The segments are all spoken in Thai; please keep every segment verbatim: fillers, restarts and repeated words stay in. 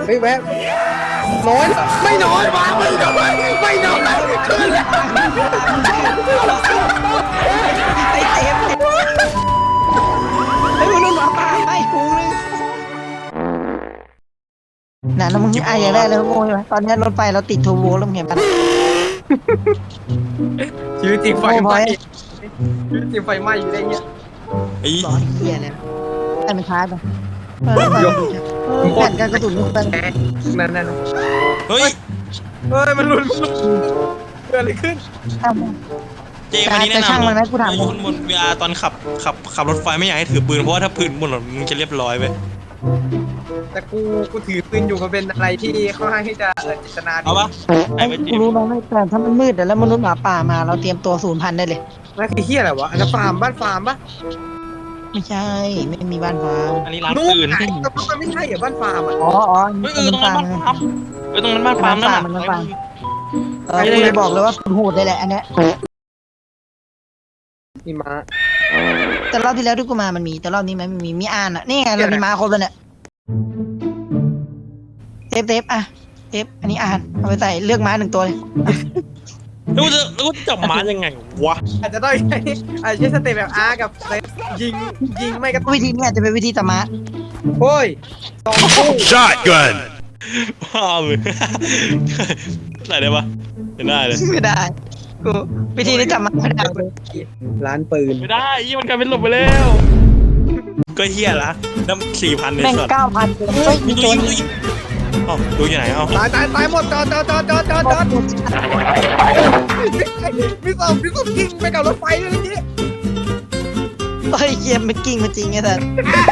เฮ้ยแวะน้อยไม่น้อยมาไม่น้อยไม่น้อยขึ้นแล้วไอ้เต็มไอ้มันนุ่นหมาป่าไอ้ฟูนึงน่ะแล้วมึงไอ้อย่างแรกเลยโว้ยตอนนี้รถไฟเราติดโทโบแล้วมึงเห็นมันชีวิตจริงไฟไหม้ชีวิตจริงไฟไหม้อยู่ได้เงี้ยไอ้ร้อนเหี้ยเลยไอ้มันช้าไปแผ่นการกระตุ้นลูกไปนั่นนั่นเฮ้ยเฮ้ยมันหลุดเกิดอะไรขึ้นเจวันนี้แนะนำคนบนเวลาตอนขับขับขับรถไฟไม่อยากให้ถือปืนเพราะว่าถ้าปืนบนรถมึงจะเรียบร้อยไปแต่กูกูถือปืนอยู่มันเป็นอะไรที่ค่อนข้างที่จะจิตนาดีเอาปะไอ้เวกูรู้น้องไม่แต่ถ้ามันมืดแล้วมนุษย์หมาป่ามาเราเตรียมตัวศูนย์พันได้เลยนั่นคือเฮียอะไรวะอันนั้นฟาร์มบ้านฟาร์มปะไม่ใช่ไม่มีบ้านฟาร์มอันนี้ร้านปืนแต่มันไม่ใช่เหรอบ้านฟาร์มอ่ะอ๋ออ๋อเออตรงนั้นบ้านฟาร์มเออตรงนั้นบ้านฟาร์มนั่นแหละเออกูเลยบอกเลยว่าคุณโหดเลยแหละอันเนี้ยมีม้าแต่รอบที่แล้วที่กูมามันมีแต่รอบนี้มันมีมีอ่านอ่ะนี่ไงเรามีม้าครบแล้วเนี่ยเทปเทปอ่ะเทปอันนี้อ่านเอาไปใส่เลือกม้าหนึ่งตัวเลยรู้จะรู้จับม้ายังไงวะอาจจะต้องใช้อาจจะใช้สเตปแบบอาร์กับยิงยิงไม่กระตุ้นวิธีนี้อาจจะเป็นวิธีจับม้าโอ้ยสองคู่ shotgun ว้าวเลยใส่ได้ปะไม่ได้เลยไม่ได้กูวิธีนี้จับม้าไม่ได้ร้านปืนไม่ได้ยี่มันกลายเป็นหลบไปแล้วก็เฮียละน้ำสี่พันเนี่ยแม่งเก้าพันเฮ้ยมีโจรอ๋อดูอยู่ไหนเอ้าตายตายตายหมดจอดจอดจอดจอดจอดจอดมีสองมีสองกิ้งไปกับรถไฟเลยเมื่อกี้เฮ้ยเกมมันกิ้งมาจริงไงท่าน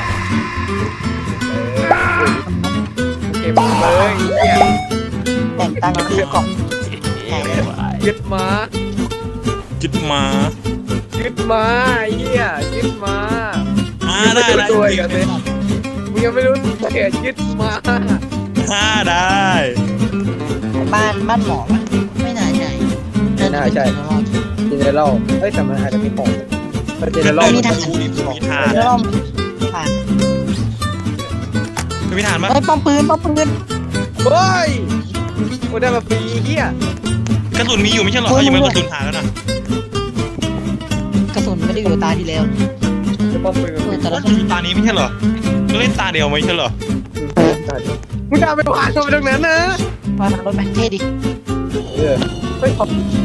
เก็บเลยแต่งตั้งคือกล่องยึดมายึดมายึดมาเฮียยึดมาอ่าได้ได้ตัวกันเลยมึงยังไม่รู้เกี่ยยึดมาอ่าได้บ้านบ้านหมอไม่น่าใช่ไม่น่าใช่เจเนอเรลเฮ้ยแต่มันอาจจะมีของเจเนอเรลมีฐานมีฐานเจเนอเรลฐานมีฐานมั้ยเฮ้ยป้อมปืนป้อมปืนเฮ้ยกูได้มาฟรีเฮียกระสุนมีอยู่ไม่ใช่หรอยังไม่กระสุนหาแล้วนะกระสุนไม่ได้อยู่ตาที่แล้วป้อมปืนแต่ละตานี้ไม่ใช่หรอก็เล่นตาเดียวไม่ใช่หรอมึงจะไปวางตรงนั้นนะวางรถแบคเท่ดิเออเฮ้ย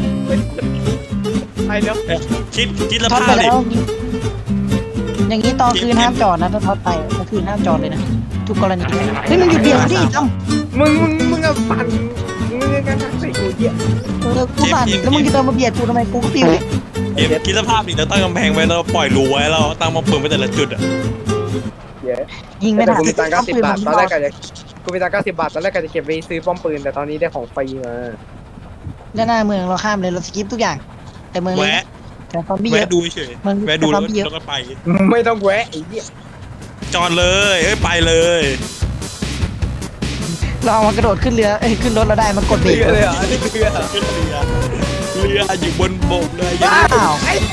ไอ้เนาะคิดคิดละภาพดิอย่างนี้ตอนคืนห้ามจอดนะถ้าทอดไปก็คือห้ามจอดเลยนะทุกกรณีเฮ้ยมึงหยุดเบียดดิตั้มมึงมึงมึงอะปั่นมึงกันใส่กูเหี้ยเออกูปั่นแล้วมึงจะเดินมาเบียดกูทำไมกูก็ปิวเลยคิดสภาพดิเราตั้งกำแพงไว้เราปล่อยรูไว้เราตั้งมาปืนไว้แต่ละจุดอ่ะยิงไม่ได้กูมีตังค์เก้าสิบบาทตอนแรกก็จะกูมีตังค์เก้าสิบบาทตอนแรกก็จะเก็บไปซื้อป้อมปืนแต่ตอนนี้ได้ของฟรีมาแล้วหน้าเมืองเราข้ามเลยเราสกิปทุกอย่างแต่เมืองนี้แต่ซอมบี้เยอะแวะดูเฉยแวะดูแล้วก็ไปไม่ต้องแวะไอ้เหี้ยจอดเลยเอ้ยไปเลยเราเอามากระโดดขึ้นเรือเอ้ยขึ้นรถเราได้มันกดเบรกเลยอ่ะนี่เรือขึ้นเรือเรืออยู่บนบกเลยอ้าว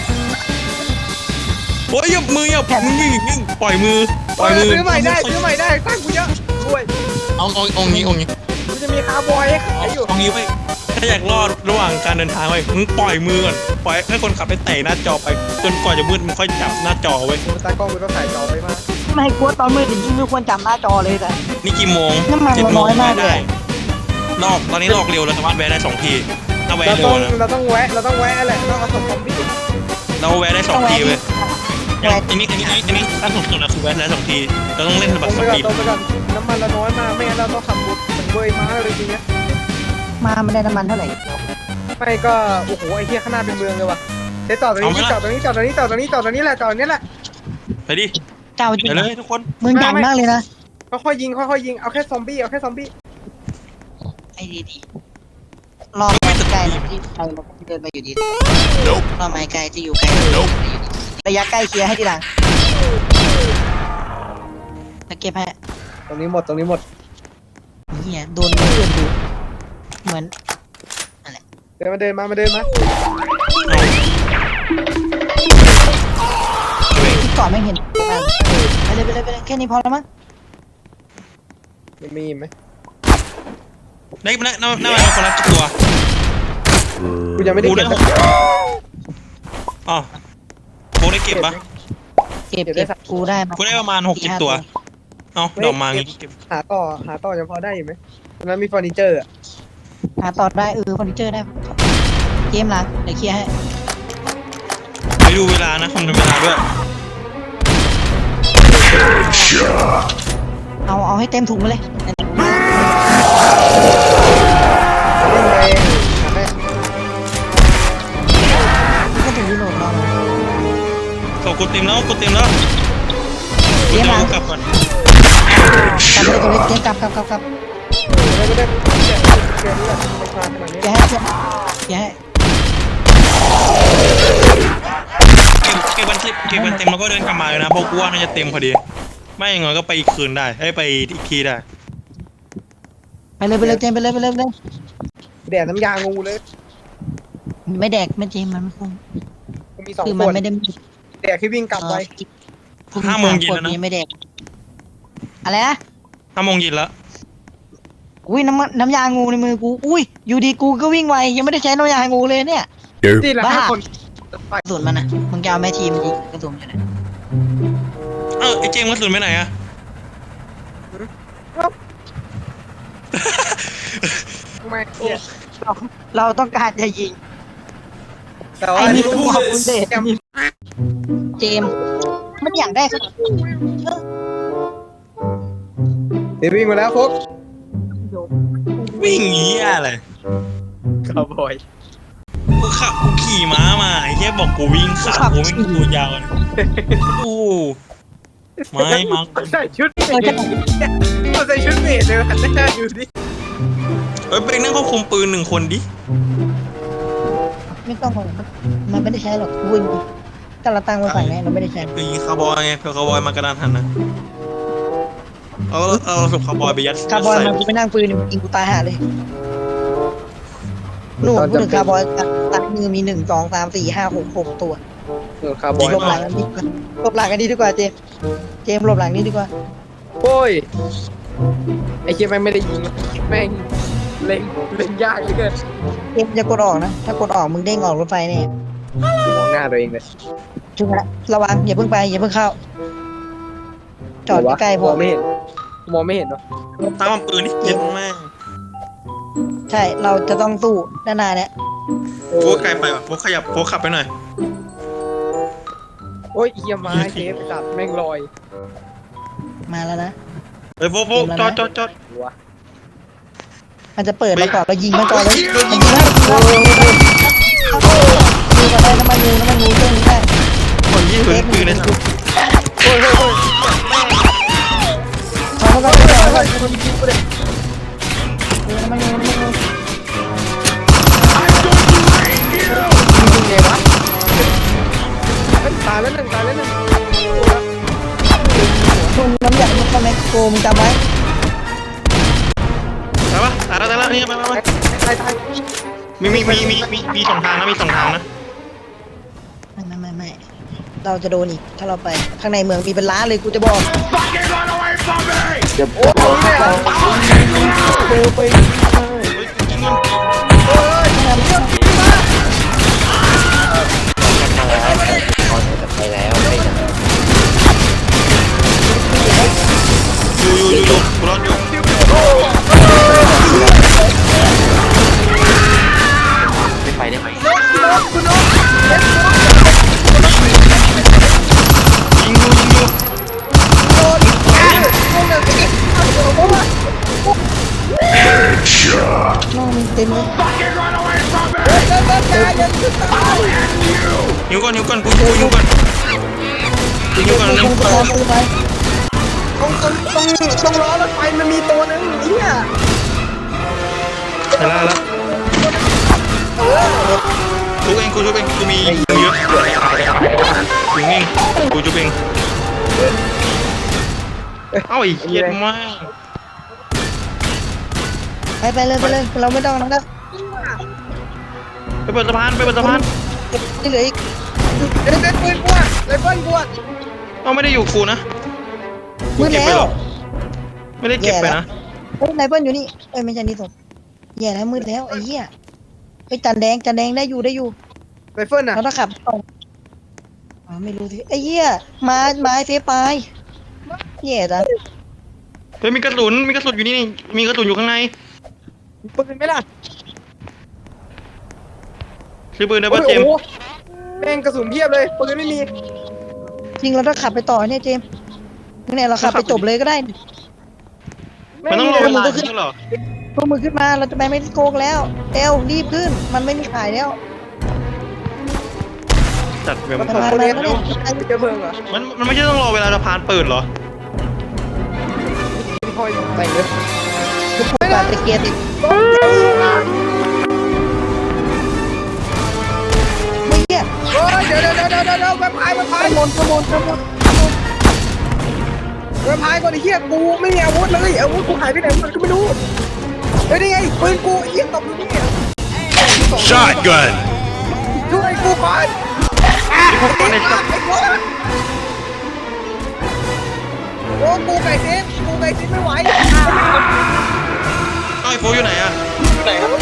โอ้ยอย่ามืออย่ามึงนิ่งนิ่งปล่อยมือปล่อยมือซื้อใหม่ได้ซื้อใหม่ได้ตั้งกูเยอะด้วยเอาเอาเอางี้เอางี้มันจะมีคาร์บอยให้ขายอยู่เอางี้ไว้ถ้าอยากรอดระหว่างการเดินทางไว้มึงปล่อยมือก่อนปล่อยให้คนขับไปเตะหน้าจอไปจนกว่าจะมืดมึงค่อยจับหน้าจอไว้ตากล้องกูต้องถ่ายจอไปมากไม่กลัวตอนมืดจริงๆไม่ควรจับหน้าจอเลยแต่นี่กี่โมงน้ำมันน้อยมากเลยลอกตอนนี้ลอกเร็วเราสามารถแวะได้สองทีถ้าแวะเร็วนะเราต้องแวะเราต้องแวะแหละต้องเอาสองคอมบี้เราแวะได้สองทีเว้ยอันนี้อันนี้อันนี้ตั้งสุดสุดนะคือแวะได้สองทีเราต้องเล่นแบบสปีดตรงไปก่อนน้ำมันเราน้อยมากไม่งั้นเราต้องขับรถเหมือนเบยม้าเลยจริงๆนะมาไม่ได้น้ำมันเท่าไหร่ไม่ก็โอ้โหไอ้เหี้ยข้างหน้าเป็นเมืองเลยว่ะเดี๋ยวจอดตรงนี้จอดตรงนี้จอดตรงนี้จอดตรงนี้จอดตรงนี้แหละจอดนี้แหละไปดิเจ้าจริงเลยทุกคนเมืองใหญ่มากเลยนะค่อยๆยิงค่อยๆยิงเอาแค่ซอมบี้เอาแค่ซอมบี้ไอ้ดีดีรอไม่ไกลนะที่ไกลเราเดินไปอยู่ดีรอไม่ไกลจะอยู่ไกลระยะใกล้เคลียร์ให้ทีหลังตะเก็บให้ตรงนี้หมดตรงนี้หมดเหี้ยโดนเพื่อนดูเหมือนอะไรเดินมาเดินมามาเดินมาที่ก่อนไม่เห็นไปเลยไปเลยไปเลยแค่นี้พอแล้วมั้งยังมีไหมได้หน้าหน้าหน้ามันคนละตัวกูยังไม่ได้กูเก็ได้บหกอ๋อโบได้เก็บปะเก็บเก็บกูได้มากูได้ประมาณหกเจ็ดตัวเอ้าดอกมางี้เก็บหาต่อหาต่อยังพอได้อยู่ไหมตอนนั้นมีเฟอร์นิเจอร์อะหาต่อได้เออเฟอร์นิเจอร์ได้เกมล้างเดี๋ยวเคลียร์ให้ไปดูเวลานะคำนวณเวลาด้วยเอาเอาให้เต็มถุงมาเลยเล่นไปหาได้ก็ถึงยุโรปเราเขากดเต็มแล้วกดเต็มแล้วกูจะเอากลับก่อนกลับไปเลยเกมกลับกลับกลับกลับไม่ได้ไม่ได้เกมนี้แหละไม่มาขนาดนี้เคลียร์ให้เคลียร์ให้เก็บเก็บวันที่เก็บวันเต็มแล้วก็เดินกลับมาเลยนะเพราะกูว่าน่าจะเต็มพอดีไม่อย่างน้อยก็ไปอีกคืนได้ให้ไปอีกทีได้ไปเลยไปเลยเจมไปเลยไปเลยไปเลยแดดน้ำยางูเลยไม่แดกไม่เจมมันไม่คุ้มกูมีสองคือขมันวดไม่ได้แดดที่วิ่งกลับไปห้าโมงเย็นแล้วนะไม่แดกอะไรนะห้าโมงเย็นแล้วอุ้ยน้ำน้ำยางูในมือกูอุ้ยอยู่ดีกูก็วิ่งไวยังไม่ได้ใช้น้ำยางูเลยเนี่ยที่ละห้าคนกระสุนมันนะมึงจะเอาแม่ทีมยิงกระสุนอยู่ไหนเออไอเจมส์กระสุนไปไหนอะไม่เนี่ยเราเราต้องการจะยิงแต่ว่าไอ้นี่นี่ต้องขอบคุณเดชเจมส์มันอยากได้ขนาดนี้เดี๋ยววิ่งมาแล้วพกวิ่งหนีอะไรคาวบอยกูขับกูขี่ม้ามาไอ้เหี้ยบอกกูวิ่งขากูไม่ตัวยาวเลยโอ้ไม่มั้งใส่ชุดเมดก็ใส่ชุดเมดเลยหันหน้าอยู่ดิเอ้ยไปนั่งควบคุมปืนหนึ่งคนดิไม่ต้องมันไม่ได้ใช้หรอกวิ่งก็เราตั้งไว้ฝั่งนี้เราไม่ได้ใช้ไปยิงคาร์บอยไงเผื่อคาร์บอยมากระดานหันนะเอาเอาศพคาร์บอยไปยัดคาร์บอยใส่มันกูไปนั่งปืนยิงกูตายห่าเลยนู่นพูดถึงคาร์บอยตัดมือมีหนึ่งสองสามสี่ห้าหกหกตัวเออคาวบอยหลบหลังกันดีกว่าหลบหลังกันดีดีกว่าเจมเจมหลบหลังนี้ดีกว่าโอ้ยไอ้เหี้ยแม่งไม่ได้ยิงแม่งเล็งเล็งยากเหลือเกินเจมจะกดออกนะถ้ากดออกมึงเด้งออกรถไฟเนี่ยมองหน้าตัวเองเลยจุ๊บละระวังอย่าเพิ่งไปอย่าเพิ่งเข้า จอดใกล้ๆพมอองไม่เห็นมองไม่เห็นเนาะตามปืนนี่เจ็บมากใช่เราจะต้องสู้ด้านหน้าเนี่ยโฟกไกลไปว่ะโฟกขยับโฟกขับไปหน่อยโอ้ยเหี้ยไม้เทปจัดแม่งลอยมาแล้วนะเฮ้ยโฟกโฟกจอดจอดจอดหัวมันจะเปิดเราก่อนเรายิงมันก่อนเลยมันยิงแล้วโอ้โหดูกันได้น้ำมันงูน้ำมันงูเครื่องนี้ได้คนยี่ปืนปืนเลยนะโอ้ยโอ้ยโอ้ยเอามาก่อนเอามาก่อนคนยิงกูเลยดูน้ำมันงูน้ำมันงูยิงไงวะตายแล้วหนึ่งตายแล้วหนึ่งช่วงน้ำใหญ่มันก็แมคโครมึงจำไว้ตายปะตายแล้วตายแล้วนี่ไปไปไปตายตายมีมีมีมีมีมีสองทางนะมีสองทางนะไม่ไม่ไม่ไม่เราจะโดนอีกถ้าเราไปข้างในเมืองมีเป็นล้านเลยกูจะบอกเดี๋ยวโอ้ยเนี่ยเร็วไปเฮ้ยจริงมันโอ้ยเรื่องนี้มาอยู่อยู่อยู่อยู่กูรอดอยู่ไม่ไปได้ไหมยิงอยู่ยิงอยู่น้องมึงเต็มเลยหิวก่อนหิวก่อนกูกูหิวก่อนกูหิวก่อนมึนึงงจะพอซื้อไหมตรงตรงตรงตรงล้อรถไฟมันมีตัวนึงเนี่ยแล้วแล้วกูเองกูจุบเองกูมีเยอะกูเองกูจุบเองเอ้าไอ้เหี้ยมากไปไปเลยไปเลยเราไม่ต้องนะก็ไปเปิดสะพานไปเปิดสะพานที่เหลืออีกเล่นเล่นปืนกวดเล่นปืนกวดเอาไม่ได้อยู่กูนะมืดเก็บแล้ไปหรวอไม่ได้เก็บไปนะเฮ้ยไนเปิลอยู่นี่เอ้ยไม่ใช่นี่ส่งแย่แล้วมืดแล้วไอ้เหี้ยไปจันแดงจันแดงได้อยู่ได้อยู่ไรเฟิลน่ะเราต้องขับตรงอ๋อไม่รู้ที่ไอ้เหี้ยมามาไอ้เฟยปลายแย่จังเฮ้ยมีกระสุนมีกระสุนอยู่นี่นี่มีกระสุนอยู่ข้างในปืนไหมล่ะซื้อปืนได้โอ้ป่ะโหเจมส์แม่งกระสุนเพียบเลยปืนไม่มีจริงเราต้องขับไปต่อเนี่ยเจมส์เนี่ยเราขับไปจบเลยก็ได้มันต้องรอเวลาก็ขึ้ขึ้นนเหรอพวกมึงขึ้นมาเราจะไปไม่ได้โกงแล้วเอลรีบขึ้นมันไม่มีขายแล้วจัดแบบมันมาถอดมาตัวมาเนี้ยมาเร็เนี่วย เจอเพลิงเหรอมันมันไม่ใช่ต้องรอเวลาสะพานเปิดเหรอพี่พลอยไปเลยทุกคนปาดตะเกียร์ติดไม่เหี้ยโอ้ยเดี๋ยวเดี๋ยวเดี๋ยวเดี๋ยวเดี๋ยวแวมไพร์แวมไพขร์โมยขโมยขโมยแวมไพร์ก่อนไอ้เหี้ยกูไม่มีอาวุธเลยอาวุธกูหายไปไหนหมดก็ไม่รู้เฮ้ยนี่ไงปืนกูไอ้เหี้ยตกอยู่นี่ Shotgun. ช่วยกูก่อนพวกมันในจับไอ้โว้ยโอ้กูไก่เซฟกูไก่เซฟไม่ไหวไอ้โฟอยู่ไหนอะอยู่ไหนครับ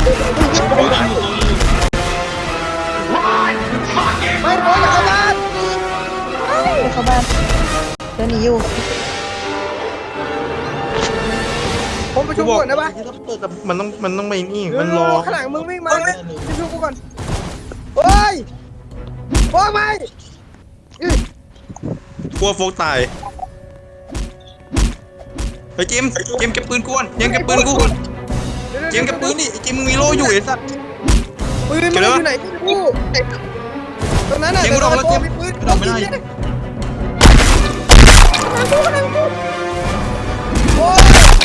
ไม่โว้ยอย่าเข้าบ้านไปเข้าบ้านเดินหนีอยู่ผมประชุมก่อนนะปะมันต้องมันต้องไปนี่มันรอข้างหลังมึงวิ่งมาประชุมกูก่อนเฮ้ยโอ้ยไม่กลัวโฟกตายไปเจมส์เจมส์เก็บปืนกูก่อนเจมส์เก็บปืนกูก่อนเจมส์เก็บปืนดิเจมส์มึงมีโล่อยู่ไอ้สัสปืนมันอยู่ไหนกูตรงนั้นน่ะเจมส์กูโดนแล้วเจมส์ปืนกูโดนไม่ได้โอ้ย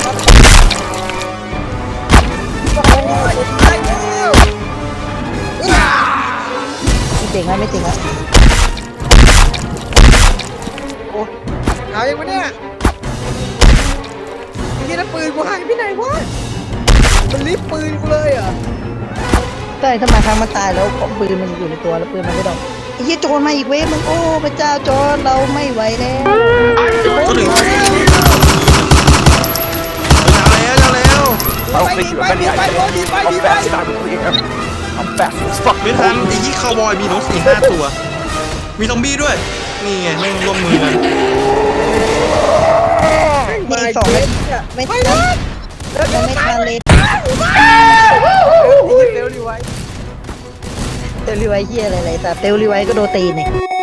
โอ้ยตายแล้วไม่เจ๋งไหมไม่เจ๋งอ่ะโอ้ยเอายังวะเนี่ยที่นั่นปืนกูหายไปไหนวะมันรีบปืนกูเลยอ่ะใช่ถ้ามาครั้งมันตายแล้วของปืนมันอยู่ในตัวแล้วปืนมันไม่ดอกไอ้เหี้ยโจรมาอีกเว้ยมึงโอ้พระเจ้าโจรเราไม่ไหวแล้วก็ถึงเอาแล้วเอาแล้ว I don't think you're of any idea how fast I really am. I'm fast as fuck. ไม่ทันไอ้ยี่คาวบอยมีนกสี่ห้าตัว มีซอมบี้ด้วย นี่ไงแม่งร่วมมือกันมีอีกสองเม็ดไม่ทันยังไม่ทันเลยเร็วดีไว้เตลรีไวเฮียอะไรๆแต่เตลรีไวก็โดนตีนเนี่ย